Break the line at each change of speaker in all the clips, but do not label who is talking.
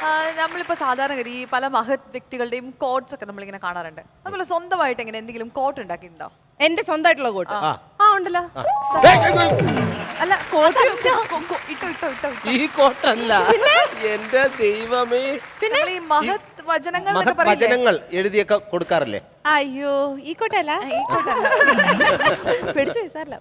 നമ്മളിപ്പോ സാധാരണഗതി ഈ പല മഹത് വ്യക്തികളുടെയും കോട്ട്സ് ഒക്കെ നമ്മളിങ്ങനെ കാണാറുണ്ട്. അതുപോലെ സ്വന്തമായിട്ട് എങ്ങനെ എന്തെങ്കിലും കോട്ട് ഉണ്ടാക്കിയിട്ടുണ്ടോ?
എന്റെ സ്വന്തമായിട്ടുള്ള കോട്ട് ഉണ്ടല്ലോ. അല്ല
ഈ കോട്ടല്ല എന്റെ ദൈവമേ.
പിന്നെ ഈ മഹത്
വചനങ്ങൾ എഴുതിയൊക്കെ കൊടുക്കാറില്ലേ?
അയ്യോ ഈ കോട്ടല്ല, ഈ കോട്ടല്ല. പിടിച്ചു സാറല്ല.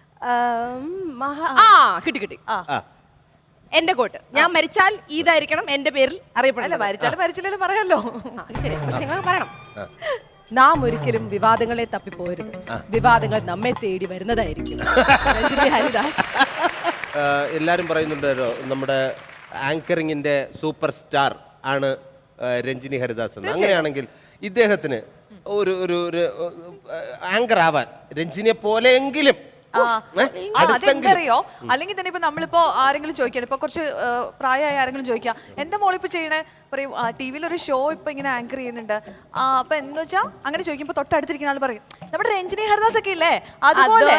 കിട്ടി കിട്ടി. എന്റെ കോട്ട് ഞാൻ മരിച്ചാൽ ഇതായിരിക്കണം എന്റെ പേരിൽ അറിയപ്പെടില്ല.
മരിച്ചാലും പറയാലോ.
ശരി, പക്ഷെ നിങ്ങൾ പറയണം. നാം ഒരിക്കലും വിവാദങ്ങളെ തപ്പിപ്പോരുത്, വിവാദങ്ങൾ നമ്മെ തേടി വരുന്നതായിരിക്കും. ഹരിദാസ്.
എല്ലാരും പറയുന്നുണ്ടല്ലോ നമ്മുടെ ആങ്കറിങ്ങിന്റെ സൂപ്പർ സ്റ്റാർ ആണ് രഞ്ജിനി ഹരിദാസ് എന്ന്. അങ്ങനെയാണെങ്കിൽ ഇദ്ദേഹത്തിന് ഒരു ആങ്കർ ആവാൻ രഞ്ജിനിയെ പോലെയെങ്കിലും
അതെന്തറിയോ? അല്ലെങ്കിൽ തന്നെ ഇപ്പൊ നമ്മളിപ്പോ ആരെങ്കിലും ചോദിക്കണം, ഇപ്പൊ കുറച്ച് പ്രായമായ ആരെങ്കിലും ചോദിക്കാം, എന്താ മോളിപ്പോ ചെയ്യണേ, പറയും ടിവിയിൽ ഒരു ഷോ ഇപ്പൊ ഇങ്ങനെ ആങ്കർ ചെയ്യുന്നുണ്ട്. അപ്പൊ എന്ന് വെച്ചാ അങ്ങനെ ചോദിക്കുമ്പോ തൊട്ടടുത്തിരിക്കുന്ന ആൾ പറയും നമ്മുടെ രഞ്ജിനി ഹരിദാസ് ഒക്കെ ഇല്ലേ അതുപോലെ.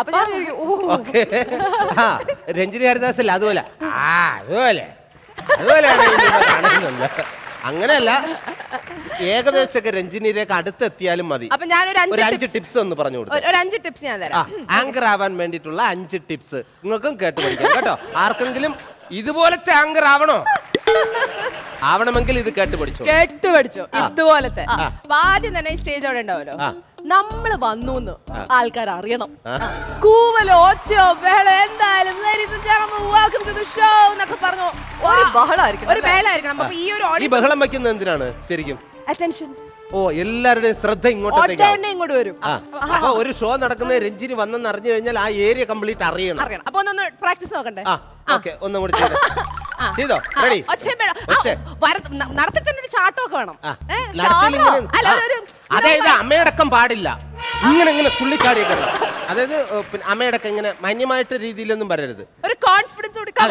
രഞ്ജിനി ഹരിദാസ് അല്ല, അതുപോലെ അതുപോലെയാണ്. അങ്ങനെയല്ല, ഏകദേശമൊക്കെ രഞ്ജിനിയിലേക്ക് അടുത്തെത്തിയാലും മതി.
അപ്പൊ ഞാനൊരു
5 ടിപ്സ് ഒന്ന് പറഞ്ഞു കൊടുത്തു.
ഒരു 5 ടിപ്സ് ഞാൻ തരാം.
ആങ്കർ ആവാൻ വേണ്ടിയിട്ടുള്ള 5 ടിപ്സ് നിങ്ങൾക്കും കേട്ട് പഠിക്കാം കേട്ടോ. ആർക്കെങ്കിലും ഇതുപോലത്തെ ആങ്കർ ആവണമെങ്കിൽ ഇത് കേട്ട് പഠിച്ചോ.
ഇതുപോലത്തെ ആദ്യം തന്നെ സ്റ്റേജ് അവിടെ ഉണ്ടാവല്ലോ, നമ്മള് വന്നു ആൾക്കാർ അറിയണം. കൂവലോ ഒച്ചയോ ബഹളോ എന്തായാലും ഒരു ബഹളായിരിക്കണം. അപ്പൊ ഈ ഒരു
ബഹളം വെക്കുന്നത് എന്തിനാണ് ശരിക്കും?
അറ്റൻഷൻ.
ഓ, എല്ലാവരുടെയും ശ്രദ്ധ
ഇങ്ങോട്ട് വരും.
അപ്പൊ ഒരു ഷോ നടക്കുന്ന രഞ്ജിനി വന്നെന്ന് അറിഞ്ഞു കഴിഞ്ഞാൽ ആ ഏരിയ കംപ്ലീറ്റ് അറിയണം.
അപ്പൊ ഒന്ന് പ്രാക്ടീസ് നോക്കണ്ടേ?
ഒന്നും കൂടി ചെയ്തോ. റെഡി?
നടത്തി ഒരു ചാട്ടമൊക്കെ വേണം.
അതായത് അമ്മയടക്കം പാടില്ല, ഇങ്ങനെ തുള്ളിച്ചാടിയൊക്കെ. അതായത് അമ്മയടക്കം ഇങ്ങനെ മാന്യമായിട്ട് രീതിയിലൊന്നും പറയരുത്.
ഒരു കോൺഫിഡൻസ് കൊടുക്കാം.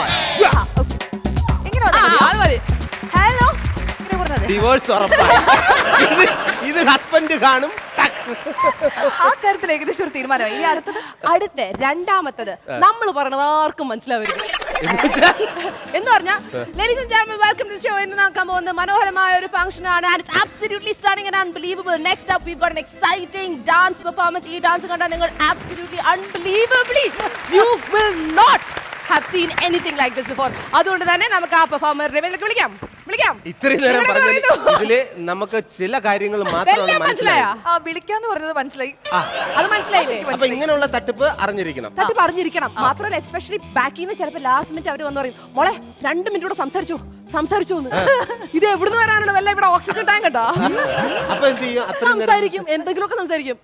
ഹലോ,
ഡിവോഴ്സ് ഉറപ്പാണ്. ഇത് ഹസ്ബൻഡ് കാണും.
ആ കാര്യത്തിൽ ഏകദേശം ഒരു തീരുമാനമായി. ഇനി
അടുത്ത രണ്ടാമത്തത് നമ്മൾ പറയണത് ആർക്കും മനസ്സിലാവരുത് എന്ന് പറഞ്ഞാൽ ladies and gentlemen welcome to show എന്ന് നോക്കാൻ പോകുന്ന മനോഹരമായ ഒരു ഫംഗ്ഷൻ ആണ്. And it's absolutely stunning and unbelievable. Next up we got an exciting dance performance. ഈ ഡാൻസ് കണ്ടാൽ നിങ്ങൾ absolutely unbelievably you will not have seen anything like this before. അതുകൊണ്ട് തന്നെ നമുക്ക് ആ പെർഫോമറിനെ വിളിക്കാം.
ഇത്രയും നേരം പറഞ്ഞതിൽ ഇതില് നമുക്ക് ചില കാര്യങ്ങൾ മാത്രമാണ് മനസ്സിലായ.
വിളിക്കാന്ന് പറഞ്ഞത് മനസ്സിലായി.
അത് മനസ്സിലായില്ലേ?
അപ്പൊ ഇങ്ങനെയുള്ള തട്ടിപ്പ് അറിഞ്ഞിരിക്കണം.
മാത്രമല്ല എസ്പെഷ്യലി ബാക്കിൽ നിന്ന് ചിലപ്പോൾ ലാസ്റ്റ് മിനിറ്റ് അവർ വന്ന് പറയും, മോളെ 2 മിനിറ്റ് കൂടെ സംസാരിച്ചു ഇത് എവിടുന്ന് വരാനാണ്? വല്ല ഇവിടെ ഓക്സിജൻ ടാങ്ക് ഉണ്ടോ?
അപ്പൊ എന്ത് ചെയ്യും?
സംസാരിക്കും, എന്തെങ്കിലുമൊക്കെ സംസാരിക്കും.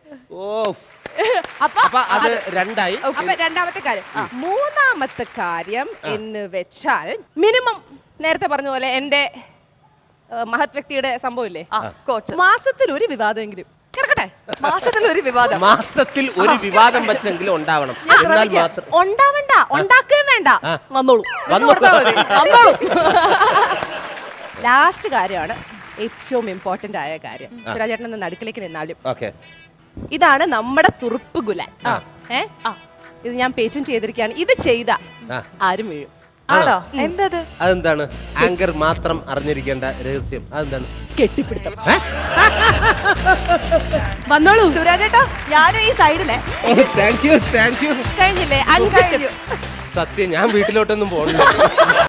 അപ്പൊ അത് രണ്ടായി.
അപ്പൊ രണ്ടാമത്തെ കാര്യം. മൂന്നാമത്തെ കാര്യം എന്ന് വെച്ചാൽ മിനിമം നേരത്തെ പറഞ്ഞ പോലെ എന്റെ മഹത് വ്യക്തിയുടെ സംഭവം ഇല്ലേ, മാസത്തിൽ ഒരു വിവാദമെങ്കിലും കിടക്കട്ടെ.
മാസത്തിൽ ഒരു വിവാദം
വെച്ചെങ്കിലും ഉണ്ടാവണം.
ഉണ്ടാവണ്ട, ഉണ്ടാക്കുകയും വേണ്ട, വന്നോളൂ. ലാസ്റ്റ് കാര്യമാണ് ഏറ്റവും ഇമ്പോർട്ടന്റ് ആയ കാര്യം. സുരാജേട്ടൻ നടുക്കിലേക്ക് നിന്നാലും ഇതാണ് നമ്മുടെ തുറുപ്പ് ഗുലാൻ. ഇത് ഞാൻ പേറ്റന്റ് ചെയ്തിരിക്കുകയാണ്. ഇത് ചെയ്ത ആരും വീഴും.
അതെന്താണ്? ആങ്കർ മാത്രം അറിഞ്ഞിരിക്കേണ്ട രഹസ്യം അതെന്താണ്?
കെട്ടിപ്പിടുത്തം. വന്നോളൂ
സുരാജേട്ടാ, ഞാനും ഈ സൈഡിലെ.
Thank you.
കഴിഞ്ഞില്ലേ? 5
സത്യം, ഞാൻ വീട്ടിലോട്ടൊന്നും പോകണ്ട.